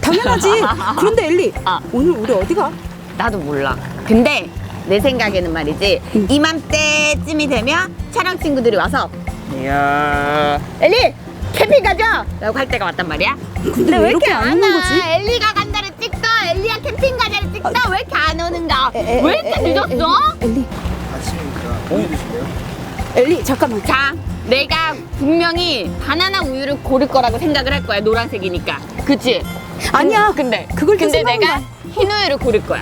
당연하지. 그런데 엘리, 오늘 우리 어디 가? 나도 몰라. 근데 내 생각에는 말이지, 이맘때쯤이 되면 촬영 친구들이 와서 이야 엘리 캠핑 가자! 라고 할 때가 왔단 말이야. 근데 왜 이렇게 안 오는 거지? 엘리가 간다를 찍다, 엘리야 캠핑 가자를 찍다. 왜 이렇게 안 오는가? 왜 이렇게 늦었어? 엘리, 아침이니까 우유 드실래요? 엘리 잠깐만. 자, 내가 분명히 바나나 우유를 고를 거라고 생각을 할 거야. 노란색이니까. 그치? 아니야. 근데 그걸 또 근데 생각한 내가 거야. 흰 우유를 고를 거야.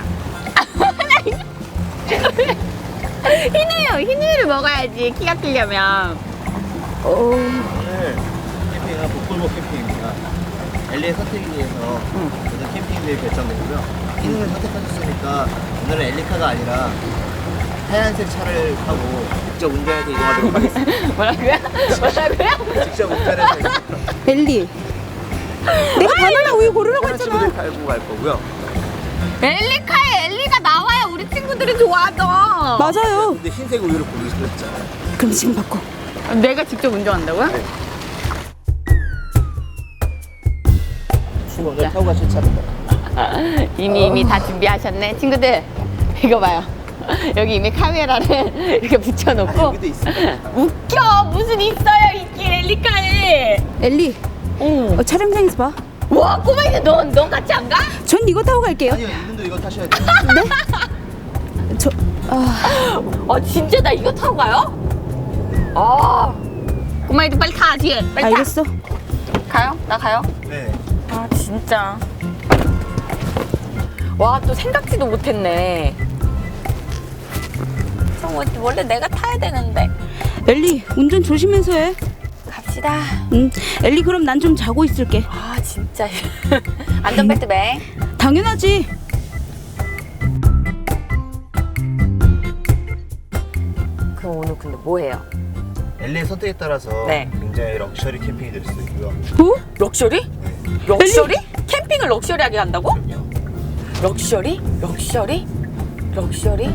흰 우유를 먹어야지. 키가 크려면. 오늘 캠핑은 복불복 캠핑입니다. 엘리의 선택에 의해서 모든 캠핑들이 결정되고요. 흰우유를 선택하셨으니까 오늘은 엘리카가 아니라 하얀색 차를 타고 직접 운전해서 이동하도록 하겠습니다. 뭐라고요? 직접 운전해서 엘리, 내가 바나나 우유 고르라고 했잖아. 친구들 갈고 갈 거고요. 엘리카에 엘리가 나와야 우리 친구들이 좋아하죠. 맞아요. 근데 흰색 우유를 고르시고 했잖아요. 그럼 지금 바꿔. 내가 직접 운전한다고요? 네. 오늘 타고 가실 차입니다. 이미 다 준비하셨네. 친구들, 이거 봐요. 여기 이미 카메라를 이렇게 붙여놓고. 여기도 있습니다. 웃겨. 무슨 있어요, 있긴 엘리카에. 엘리, 촬영장에서 봐. 와, 꼬마이들 넌 같이 안 가? 전 이거 타고 갈게요. 아니요, 이분도 이거 타셔야 돼요. 저, 진짜 나 이거 타고 가요? 꼬마이들 빨리 타, 뒤에. 빨리 알겠어. 타. 가요? 나 가요? 네. 아, 진짜. 와, 또 생각지도 못했네. 원래 내가 타야 되는데. 엘리, 운전 조심해서 해. 갑시다. 엘리, 그럼 난 좀 자고 있을게. 아, 진짜. 안전벨트 매. 당연하지. 그럼 오늘 근데 뭐 해요? 엘리의 선택에 따라서 네. 굉장히 럭셔리 캠핑이 될 수도 있고요. 뭐? 럭셔리? 럭셔리? 캠핑을 럭셔리하게 한다고? 그럼요. 럭셔리? 럭셔리? 럭셔리?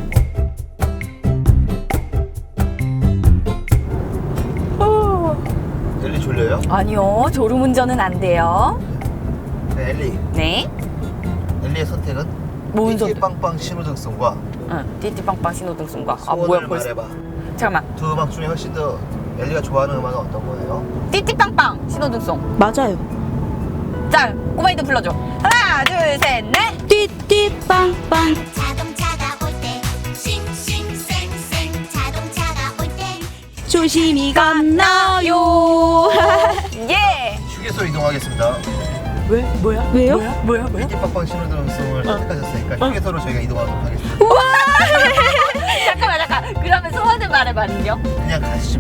엘리 졸려요? 아니요, 졸음운전은 안 돼요. 네, 엘리. 네. 엘리의 선택은 뭔 선택? 빵빵 신호등송과 응, 띠띠빵빵 신호등송과. 소원을 말해봐. 잠깐만. 두 음악 중에 훨씬 더 엘리가 좋아하는 음악은 어떤 거예요? 띠띠빵빵 신호등송. 맞아요. 자, 꼬마이들 불러줘. 하나, 둘, 셋, 넷. 띠띠빵빵. 자동차가 올 때 싱싱쌩쌩 자동차가 올 때 조심히 건너요. 예. 휴게소로 이동하겠습니다. 왜? 뭐야? 왜요? 뭐야? 빵빵 신호등송을 선택하셨으니까 휴게소로 저희가 이동하도록 하겠습니다. 잠깐. 그러면 소원을 말해봐는요? 그냥 가시죠.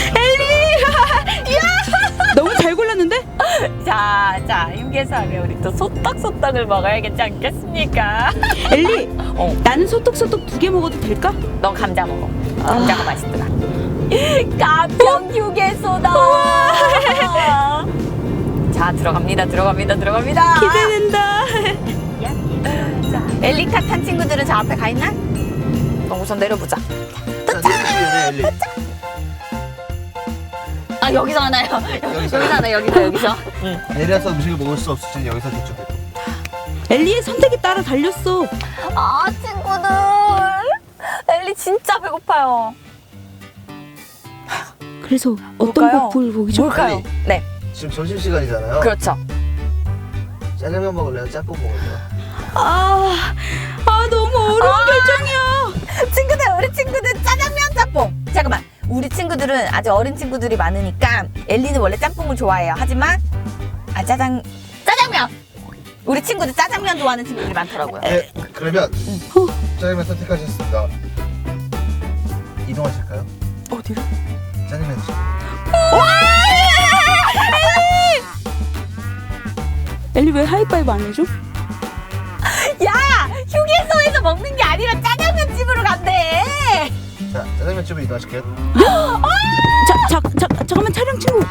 너무 잘 골랐는데? 자, 휴게소 하면 우리 또 소떡소떡을 먹어야겠지 않겠습니까? 엘리, 나는 소떡소떡 2개 먹어도 될까? 넌 감자 먹어. 감자가 맛있더라. 가평 휴게소다. 자, 들어갑니다. 기대된다. 자, 엘리카 탄 친구들은 저 앞에 가 있나? 우선 내려보자. 자, 내리시기 전에 엘리. 아, 여기서 하나요? 여기서. 여기서. 내려서 음식을 먹을 수 없으니 여기서 대충. 엘리의 선택에 따라 달렸어. 아, 친구들. 엘리 진짜 배고파요. 그래서 어떤 뭘까요? 곡을 보기 좋아? 뭘까요? 네, 지금 점심시간이잖아요. 그렇죠. 짜장면 먹을래요? 짬뽕 먹을래요? 너무 어려운 결정이야. 우리 친구들 짜장면 짬뽕. 잠깐만, 우리 친구들은 아직 어린 친구들이 많으니까 엘리는 원래 짬뽕을 좋아해요. 하지만 짜장면. 우리 친구들 짜장면 좋아하는 친구들이 많더라고요. 네, 그러면 짜장면 선택하셨습니다. 이동하실까요? 어디로? 짜장면 드시고. 엘리 왜 하이파이브 안 해줘? 야, 휴게소에서 먹는 게 아니라 짜장면 집으로 간대. 자, 짜장면집으로 이동하실게요. 잠깐만, 촬영 친구.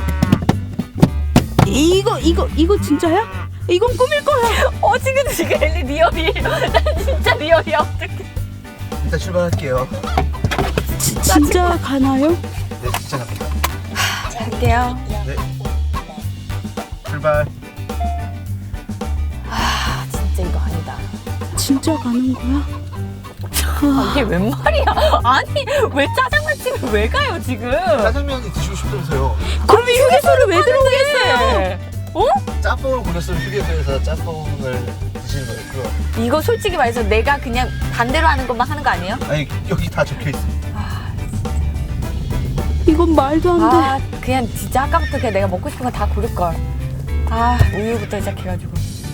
이거 진짜야? 이건 꾸밀 거야. 친구들 지금 엘리 리얼이. 난 진짜 리얼이야. 어떡해. 일단 출발할게요. 진짜 가나요? 네, 진짜 갑니다. 갈게요. 네. 출발. 진짜 가는 거야? 이게 웬 말이야? 아니 왜 짜장면집을 왜 가요 지금? 짜장면이 드시고 싶다면서요. 그러면 휴게소를 왜 들어오겠어요? 짬뽕을 고르셨으면 휴게소에서 짬뽕을 드시는 거예요. 그거. 이거 솔직히 말해서 내가 그냥 반대로 하는 것만 하는 거 아니에요? 아니 여기 다 적혀 있습니다. 이건 말도 안 돼. 아 그냥 진짜 아까부터 그냥 내가 먹고 싶은 거 다 고를걸. 아 우유부터 시작해가지고.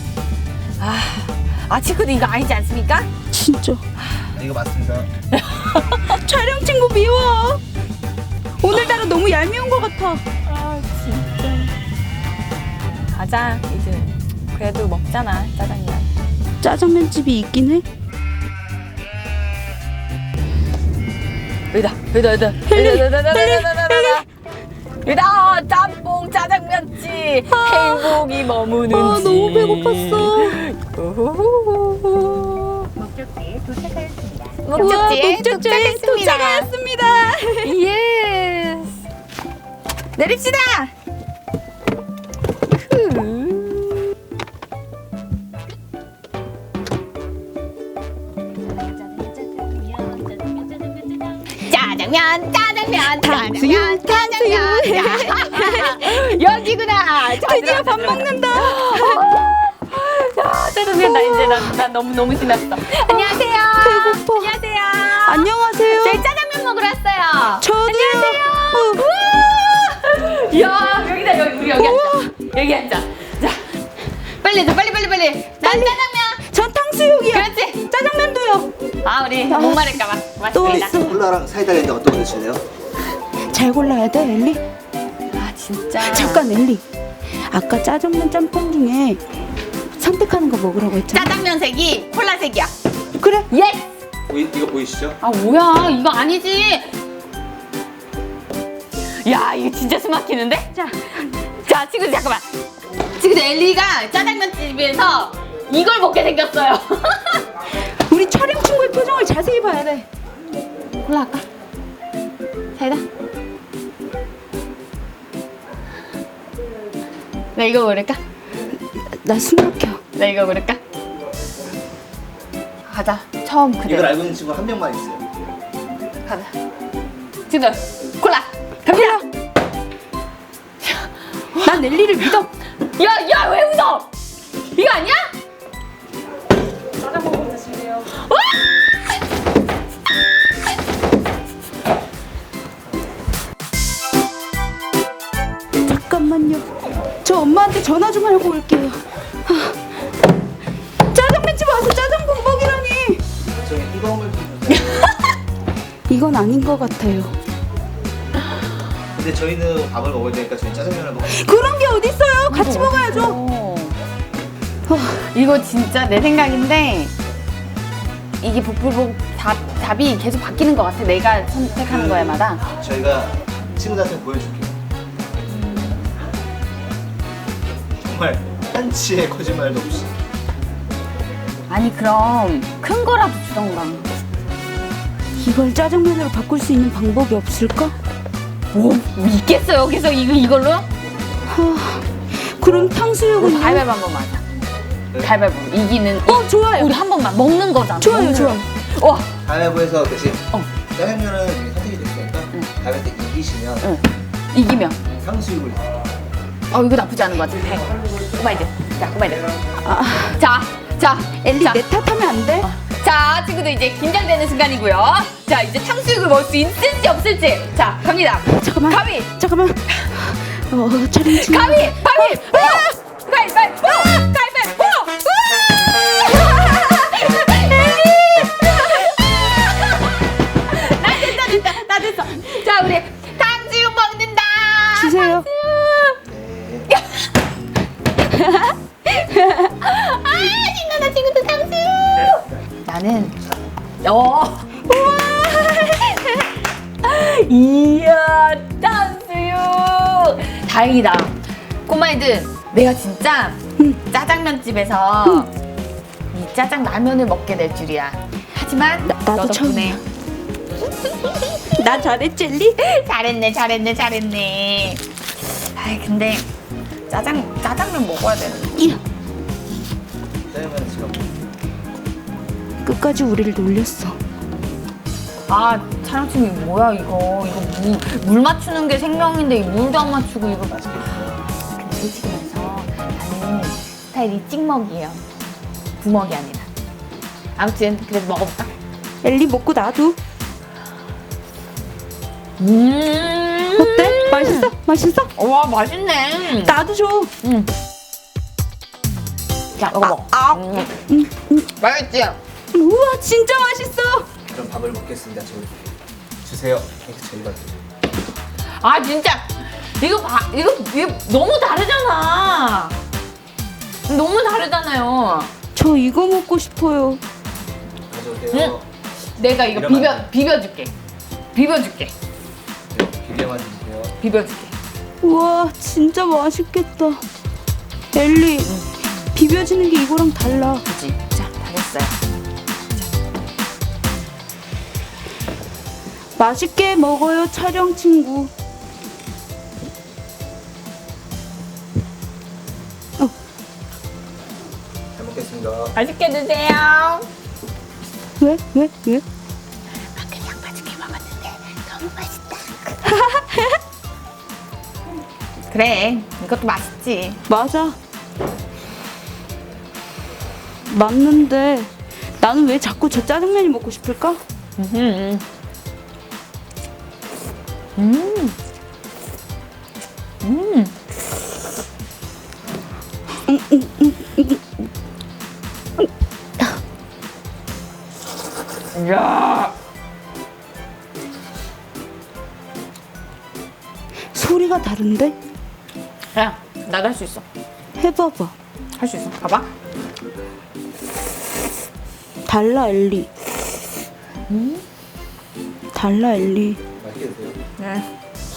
아 친구들 이거 아니지 않습니까? 진짜. 이거 맞습니다. 촬영 친구 미워. 오늘따라 너무 얄미운 것 같아. 아 진짜. 가자 이제. 그래도 먹잖아 짜장면. 짜장면 집이 있긴 해. 여기다 짬뽕 짜장면집 행복이 머무는 집. 너무 배고팠어. 목적지에 도착했습니다. 도착하였습니다. 예스. 내립시다. 짜장면. 여기구나. 드디어 밥 먹는다. 짜장면 나 이제 나 너무 신났어. 안녕하세요. 배고파. 안녕하세요. 안녕하세요. 저희 짜장면 먹으러 왔어요. 저도요. 야 여기다 우리 여기 앉자. 여기 앉자. 자 빨리 해 빨리. 난 짜장면. 전 탕수육이요. 그렇지. 짜장면도요. 아 우리 목마를까봐. 또 고맙습니다. 있어. 콜라랑 사이다 있는데 어떤 거 드실래요? 잘 골라야 돼, 엘리. 아 진짜. 잠깐, 엘리. 아까 짜장면 짬뽕 중에 선택하는 거 먹으라고 했잖아. 짜장면 색이 콜라 색이야. 그래. 예스. 이거 보이시죠? 아 뭐야 이거 아니지. 야 이거 진짜 숨 막히는데? 자 친구들 잠깐만. 친구들 엘리가 짜장면 집에서 이걸 먹게 생겼어요. 우리 촬영 친구의 표정을 자세히 봐야 돼. 콜라 할까? 사이다? 나 이거 고를까? 나 숨 막혀. 나 이거 고를까? 가자. 처음 이걸 그대로. 알고 있는 친구 한 명만 있어요. 가자. 친구들 콜라 갑니다. 난 엘리를 믿어. 야 왜 웃어? 이거 아니야? 짜장면 드실래요? 잠깐만요. 저 엄마한테 전화 좀 하고 올게요. 짜장면집 와서 짜장면 먹이라니. 저기 뜨거운 물 좀 주세요. 이건 아닌 것 같아요. 근데 저희는 밥을 먹어야 되니까 저희 짜장면을 먹어요. 그런 게 어딨어요? 같이 먹어야죠. 이거 진짜 내 생각인데 이게 복불복 답이 계속 바뀌는 것 같아. 내가 선택하는 거에마다. 저희가 친구들한테 보여줄게요. 정말 한치의 거짓말도 없이. 아니 그럼 큰 거라도 주던가. 이걸 짜장면으로 바꿀 수 있는 방법이 없을까? 뭐 있겠어 여기서 이걸로? 그럼 탕수육은 가위바위보 한 번만 하자. 가위바위보 이기는. 좋아요. 우리 한 번만 먹는 거잖아. 좋아요, 먹는 좋아요. 거. 와 가위바위보에서 대신 어. 짜장면은 이미 선택이 됐으니까 가위바위보 이기시면 응. 이기면. 탕수육을 이거 나쁘지 않은 것 같은데. 꼬마이들. 자 꼬마이들. 자 엘리 자. 내 탓하면 안 돼? 자, 친구들 이제 긴장되는 순간이고요. 자, 이제 탕수육을 먹을 수 있을지 없을지. 자, 갑니다. 잠깐만. 가위, 잠깐만. 촬영 중. 가위. 나 됐어. 자, 우리 탕수육 먹는다. 주세요. 신나다 친구들 탕수육. 나는 이야 탕수육. 다행이다. 꼬마애들 내가 진짜 짜장면집에서 이 짜장라면을 먹게 될 줄이야. 하지만 나도 너 덕분에 나 잘했지, 엘리? 잘했네. 아이 근데 짜장면 먹어야 되는데. 짜장면은 지금 끝까지 우리를 놀렸어. 아 촬영 팀이 뭐야 이거 물 맞추는 게 생명인데 이 물도 안 맞추고 이거. 근데 솔직히 말해서 나는 스타일이 찍먹이에요. 부먹이 아니라. 아무튼 그래도 먹어볼까? 엘리 먹고 나도. 어때? 맛있어? 맛있어? 와 맛있네. 나도 줘. 자 먹어. 맛있지? 우와 진짜 맛있어. 그럼 밥을 먹겠습니다. 저 주세요. 이렇게 저희가 아 진짜 이거 너무 다르잖아. 너무 다르잖아요. 저 이거 먹고 싶어요. 가져오세요. 내가 이거 이러면 안 비벼줄게. 비벼줄게. 네, 비벼만 주세요. 비벼줄게. 우와 진짜 맛있겠다. 엘리 비벼지는 게 이거랑 달라. 그치? 자, 다 됐어요. 맛있게 먹어요 촬영 친구. 잘 먹겠습니다. 맛있게 드세요. 왜? 왜? 왜? 그냥 맛있게 먹었는데 너무 맛있다. 그래, 이것도 맛있지. 맞아. 맞는데 나는 왜 자꾸 저 짜장면이 먹고 싶을까? 야, 소리가 다른데? 야, 나도 할 수 있어. 해봐봐. 할 수 있어. 봐봐. 달라 엘리. 달라 엘리. 맛있게 드세요. 네.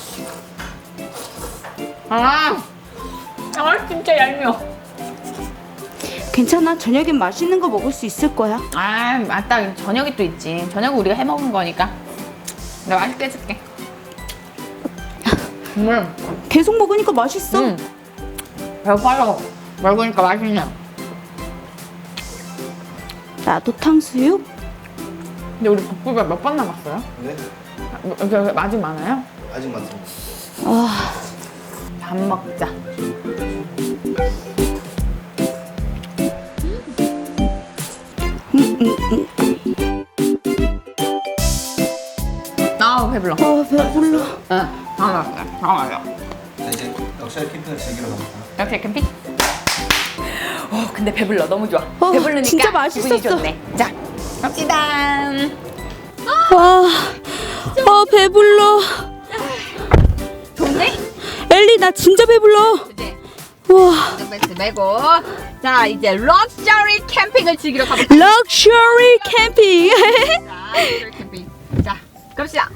아, 진짜 얄미워. 괜찮아. 저녁엔 맛있는 거 먹을 수 있을 거야. 아, 맞다. 저녁이 또 있지. 저녁은 우리가 해 먹은 거니까. 내가 맛있게 해줄게. 계속 먹으니까 맛있어. 배고파서 먹으니까 맛있네. 나도 탕수육? 근데 우리 볶음밥 몇 번 남았어요? 네, 아직 많아요? 아직 많습니다. 아, 밥 먹자. 아, 배불러. 배불러. 응, 다 먹었어. 자, 이제 럭셔리 캠핑을 즐기러 갑니다. 이렇게 캠핑? 근데 배불러. 너무 좋아. 배부르니까 진짜 기분이 맛있었어. 좋네. 자, 갑시다. 배불러. 좋네? 엘리 나 진짜 배불러. 그치? 와, 벨트 메고. 자, 이제 럭셔리 캠핑을 즐기러 가볼까? 럭셔리 캠핑. 자, 럭셔리 캠핑. 자, 갑시다.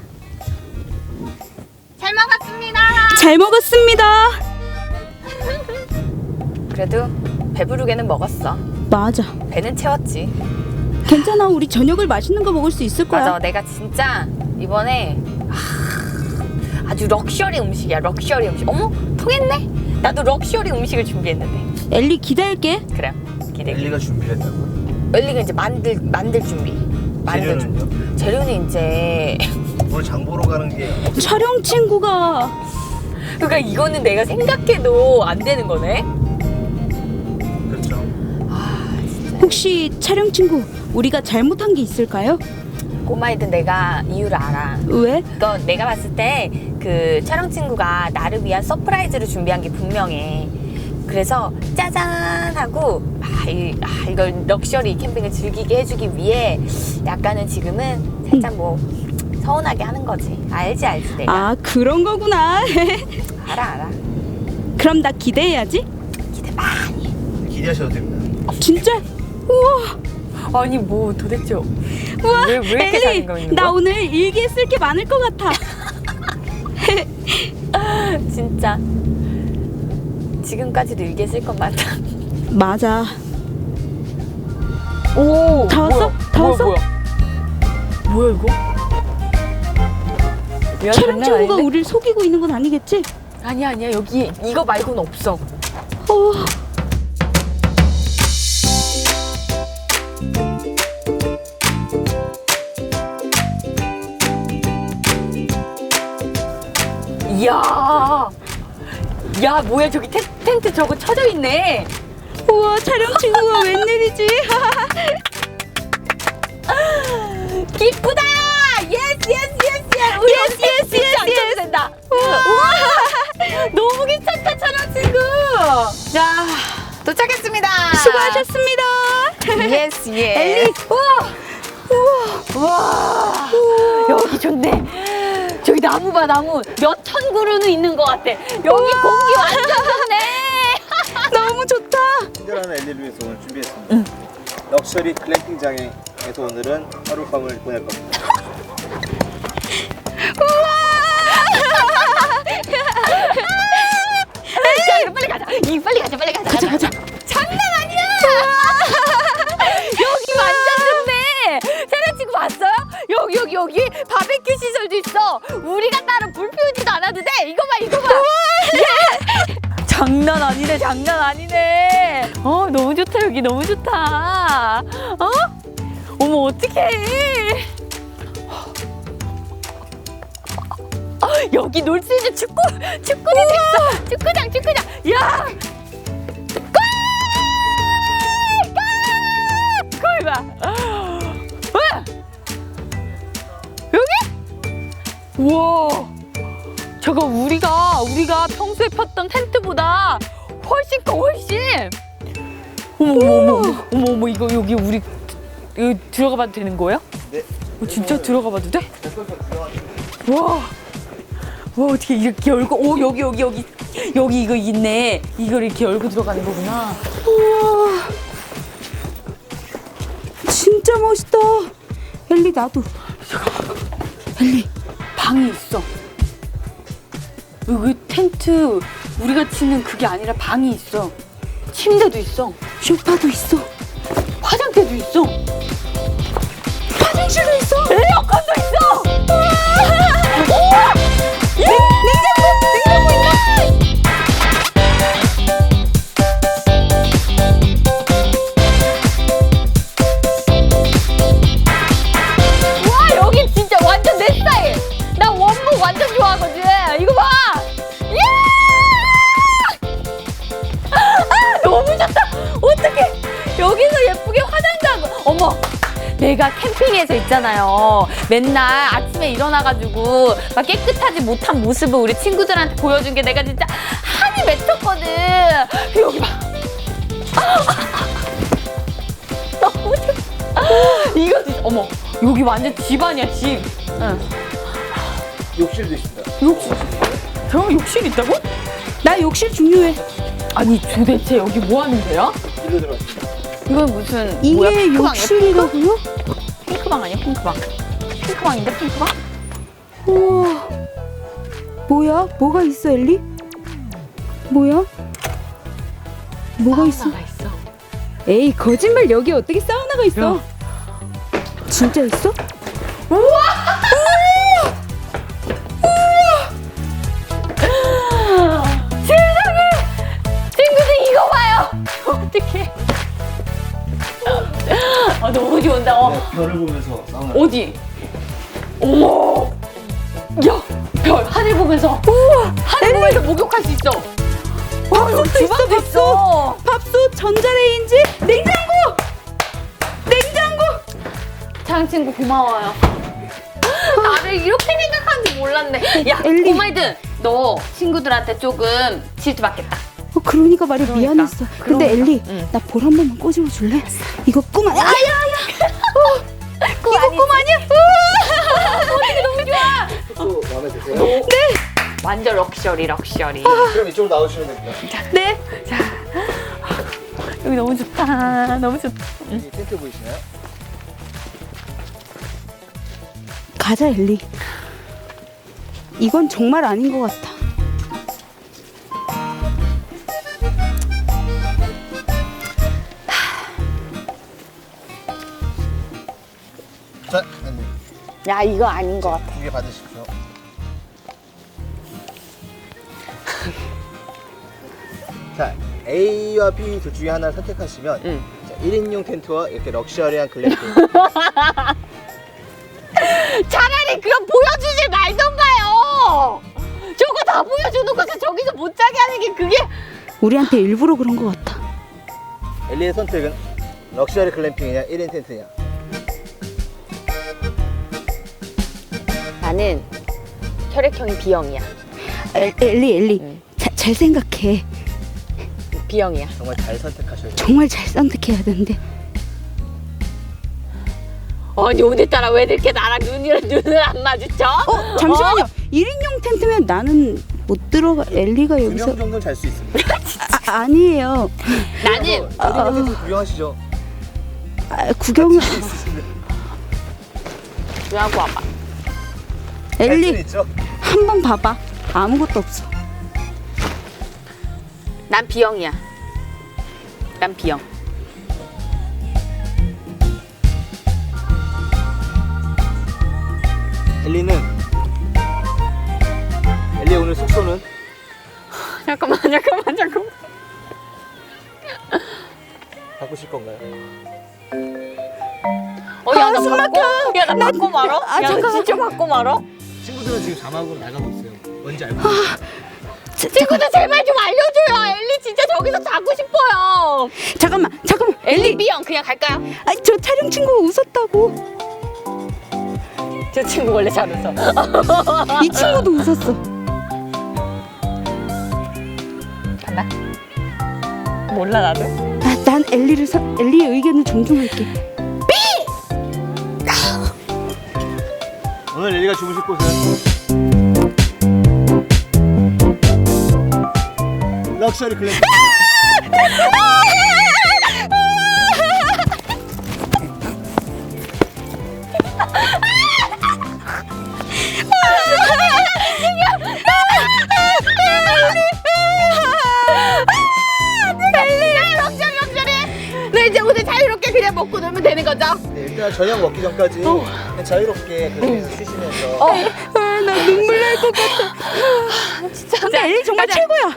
잘 먹었습니다. 잘 먹었습니다. 그래도 배부르게는 먹었어. 맞아. 배는 채웠지. 괜찮아. 우리 저녁을 맛있는 거 먹을 수 있을 거야. 맞아, 내가 진짜 이번에 아주 럭셔리 음식이야. 럭셔리 음식. 어머, 통했네. 나도 럭셔리 음식을 준비했는데. 엘리 기다릴게. 그래, 기대. 엘리가 준비를 했다고요? 엘리가 이제 만들 준비. 만들 준비. 재료는요? 재료는 이제 오늘 장 보러 가는 게 촬영 친구가 그러니까 이거는 내가 생각해도 안 되는 거네. 그렇죠. 혹시 촬영 친구 우리가 잘못한 게 있을까요? 꼬마이든 내가 이유를 알아. 왜? 이건 내가 봤을 때 그 촬영 친구가 나를 위한 서프라이즈를 준비한 게 분명해. 그래서 짜잔 하고 이걸 럭셔리 캠핑을 즐기게 해주기 위해 약간은 지금은 살짝 뭐 서운하게 하는 거지. 알지 내가. 아, 그런 거구나. 알아. 그럼 나 기대해야지. 기대 많이 해. 기대하셔도 됩니다. 진짜? 우와. 아니 뭐 도대체 우와. 왜 이렇게 엘리, 자신감 있는 나 거야? 오늘 일기에 쓸 게 많을 것 같아. 진짜 지금까지도 일기에 쓸 것 많다. 맞아. 오, 다 왔어? 다 왔어? 뭐야 이거? 야, 촬영 장난 친구가 아닌데? 우리를 속이고 있는 건 아니겠지? 아니야 여기 이거 말고는 없어. 이야. 야, 뭐야, 저기 텐트 저거 쳐져 있네. 우와, 촬영 친구가 웬일이지? 기쁘다! 예스! 우리 예스, 진짜 안 쳐도 된다. 우와! 너무 괜찮다, 촬영 친구. 자, 도착했습니다. 수고하셨습니다. 예스. 엘리. 우와. 여기 좋네. 저기 나무 봐, 나무. 몇 천 그루는 있는 것 같아. 여기 공기 완전 좋네. 너무 좋다. 친절한 엘리를 위해서 오늘 준비했습니다. 럭셔리 글램핑장에서 오늘은 하룻밤을 보낼 겁니다. 자, 그럼 빨리 가자. 빨리 가자. 장난 아니야. 여기 완전 좋네. 촬영 친구 봤어요? 여기 바베큐 시설도 있어. 우리가 따로 불 피우지도 않아도 돼. 이거 봐. 예! 장난 아니네. 너무 좋다. 여기 너무 좋다. 어머, 어떡해. 여기 놀 수 있는 축구장이 있어. 축구장. 야! 골 봐. 여기? 우와. 저거 우리가 평소에 폈던 텐트보다 훨씬 커, 훨씬. 어머, 이거 여기 우리 여기 들어가 봐도 되는 거예요? 네. 진짜 들어가 봐도 돼? 와, 어떻게 이렇게 열고, 여기 이거 있네. 이걸 이렇게 열고 들어가는 거구나. 우와, 진짜 멋있다. 엘리, 나도. 엘리, 방이 있어. 여기 텐트 우리가 치는 그게 아니라 방이 있어. 침대도 있어. 쇼파도 있어. 화장대도 있어. 화장실도 있어. 에어컨도 있어. 우와! 냉장고 있다. 와, 여기 진짜 완전 내 스타일. 나 원목 완전 좋아하거든. 이거 봐. 너무 좋다. 어떡해. 여기서 예쁘게 화장도 하고. 어머, 내가 캠핑에서 있잖아요. 맨날 아침에 일어나가지고 막 깨끗하지 못한 모습을 우리 친구들한테 보여준 게 내가 진짜 한이 맺혔거든. 여기 봐. 너무 좋다. 이거 진짜, 어머, 여기 완전 집 아니야, 집. 응. 욕실도 있습니다. 욕실? 저런 욕실 있다고? 나 욕실 중요해. 아니, 도대체 여기 뭐 하는 데야? 일로 들어왔습니다. 이건 무슨 이게 뭐야, 핑크방이야? 욕실이라고요? 핑크방 아니야, 핑크방? 핑크방인데, 핑크방? 우와, 뭐야? 뭐가 있어, 엘리? 뭐야? 뭐가 있어? 사우나가 있어. 에이, 거짓말. 여기 어떻게 사우나가 있어? 야. 진짜 있어? 세상에! 친구들 이거 봐요! 어떡해. 너무 좋은다. 별을 보면서 사우나. 어디? 어머! 야! 별! 하늘 보면서! 우와! 하늘 보면서 목욕할 수 있어! 밥솥도 있어, 주방도 있어! 밥솥, 전자레인지, 냉장고! 촬영 친구 고마워요. 나를 이렇게 생각하는지 몰랐네. 야, 엘리. 꼬마이든 너 친구들한테 조금 질투 받겠다. 그러니까 말이 그러니까. 미안했어. 근데 그러니까. 엘리, 응. 나 볼 한 번만 꼬집어 줄래? 이거 꿈 아니야? 이거 꿈 아니야? 어떻게 너무 좋아. 또 마음에 드세요? 네. 완전 럭셔리. 그럼 이쪽으로 나오시면 됩니다. 네. 자, 여기 너무 좋다. 너무 좋다. 여기 텐트 보이시나요? 가자, 엘리. 이건 정말 아닌 것 같아. 자, 엘리. 야, 이거 아닌 것 같아. 두개 받으십시오. 자, A와 B 둘 중에 하나를 선택하시면 응. 자, 1인용 텐트와 이렇게 럭셔리한 글램핑. 차라리 그럼 보여주지 말던가요. 저거 다 다 보여주는 것을 저기서 못 자게 하는 게 그게. 우리한테 일부러 그런 것 같아. 엘리의 선택은 럭셔리 글램핑이냐 1인 텐트냐? 나는 혈액형이 B형이야. 엘리 잘 생각해. B형이야. 정말 잘 선택하셔야 돼요. 정말 잘 선택해야 되는데. 아니 오늘따라 왜 이렇게 나랑 눈을 안 마주쳐? 잠시만요. 1인용 텐트면 나는 못 들어가. 엘리가 2명 여기서 정도는 잘 수 있습니다. 아니에요. 나는 1인용 텐트 구경하시죠. 구경을 왜 하고 와봐. 할 수는 엘리 있죠. 한 번 봐봐. 아무것도 없어. 난 B형이야. 난 B형. 엘리 오늘 숙소는 잠깐만. 바꾸실 건가요? 야, 나 바꿔? 야, 나 바꿔 말어? 야, 나 잠깐만. 진짜 바꿔 말어? 친구들은 지금 자막으로 나가고 있어요. 뭔지 알고? 친구들 제발 좀 알려줘요. 엘리 진짜 저기서 자고 싶어요. 잠깐만. 엘리 B형 그냥 갈까요? 저 촬영 친구가 웃었다고. 저 친구 원래 잘 웃어. 이 친구도 웃었어. 간다. 몰라 나도. 난 엘리의 의견을 존중할게. 오늘 엘리가 주무실 곳은 럭셔리 글램핑. 네 이제 오늘 자유롭게 그냥 먹고 놀면 되는 거죠? 네, 일단 저녁 먹기 전까지 그냥 자유롭게 그렇게 쉬시면서 나 눈물 날 것 같아. 진짜. 근데 엘리 정말 가자. 최고야.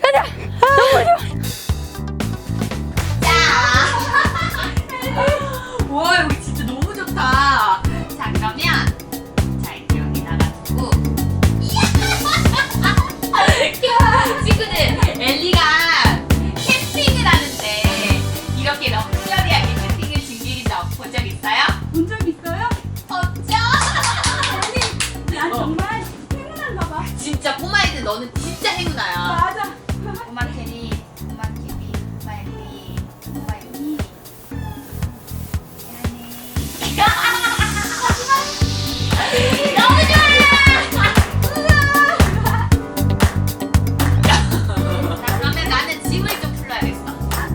와 여기 진짜 너무 좋다. 자 그러면 자 이렇게 여기다가 두고 친구들 엘리가 캠핑을 하는데 이렇게 럭셔리하게 캠핑을 즐기는 본 적 있어요? 본 적 있어요? 없죠? 난 정말 행운한가 봐. 진짜 꼬마애들 너는 진짜 행운아야. 맞아. 꼬마 캐리, 꼬마 캐리, 꼬마 엘리, 꼬마 엘리. 너무 좋아! 자, 그러면 나는 짐을 좀 풀러야겠어.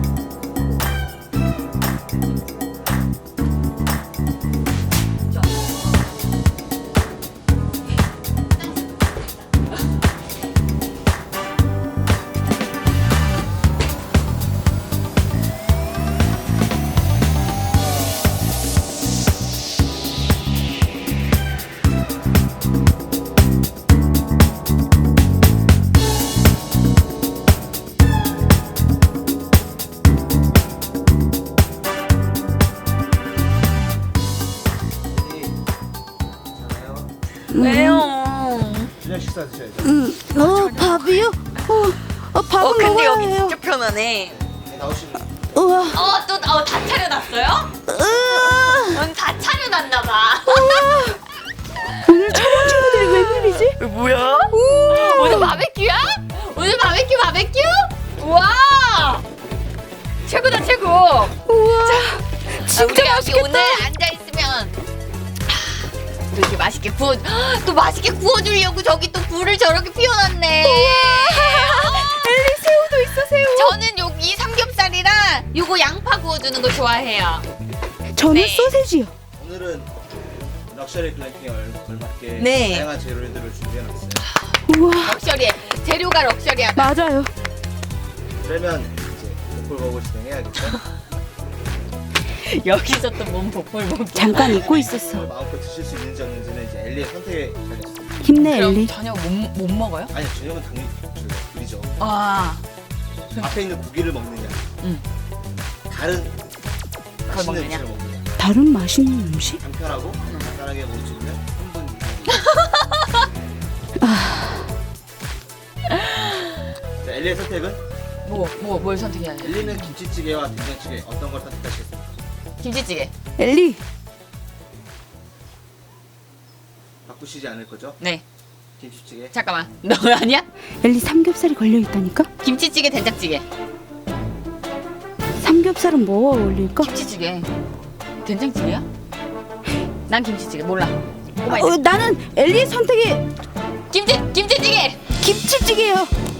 왜요? 저녁 식사 드셔야죠. 밥이요? 밥은 근데 먹어야 여기 해요. 진짜 편하네. 네, 나오시면 우와. 다 차려놨어요? 오늘 다 차려놨나봐. 오늘 촬영 친구들이 웬일이지? 뭐야? 오늘 바베큐야? 오늘 바베큐? 우와! 최고다, 최고! 우와. 진짜 우리가 여기 맛있겠다. 오늘 앉아있으면 이렇게 맛있게 또 맛있게 구워주려고 저기 또 불을 저렇게 피워놨네. 엘리 새우도 있어, 새우. 저는 여기 삼겹살이랑 요거 양파 구워주는 거 좋아해요. 저는 네. 소세지요. 오늘은 럭셔리 글램핑에 걸맞게 네. 다양한 재료들을 준비해놨어요. 우와. 럭셔리해. 재료가 럭셔리하다. 맞아요. 그러면 이제 복불복을 진행해야겠죠. 여기서 또 몸 복불복. 잠깐 잊고 있었어. 마음껏 드실 수 있는지 없는지는 이제 엘리의 선택에 달렸습니다. 힘내, 엘리. 저녁 못 먹어요? 아니 저녁은 당연히 저희가 드리죠. 아. 앞에 있는 고기를 먹느냐, 응. 다른 맛있는 먹느냐? 음식을 먹느냐. 다른 맛있는 음식? 간편하고 간단하게 먹을 수 있는 3분 엘리의 선택은? 뭘 선택해야 돼? 엘리는 김치찌개와 된장찌개 어떤 걸 선택하시겠습니까? 김치찌개. 엘리, 바꾸시지 않을 거죠? 네. 김치찌개. 잠깐만. 너 아니야? 엘리 삼겹살이 걸려 있다니까? 김치찌개, 된장찌개. 삼겹살은 뭐와 어울릴까? 김치찌개. 된장찌개야? 난 김치찌개 몰라. 꼬마이들. 나는 엘리의 선택이 김치찌개. 김치찌개예요.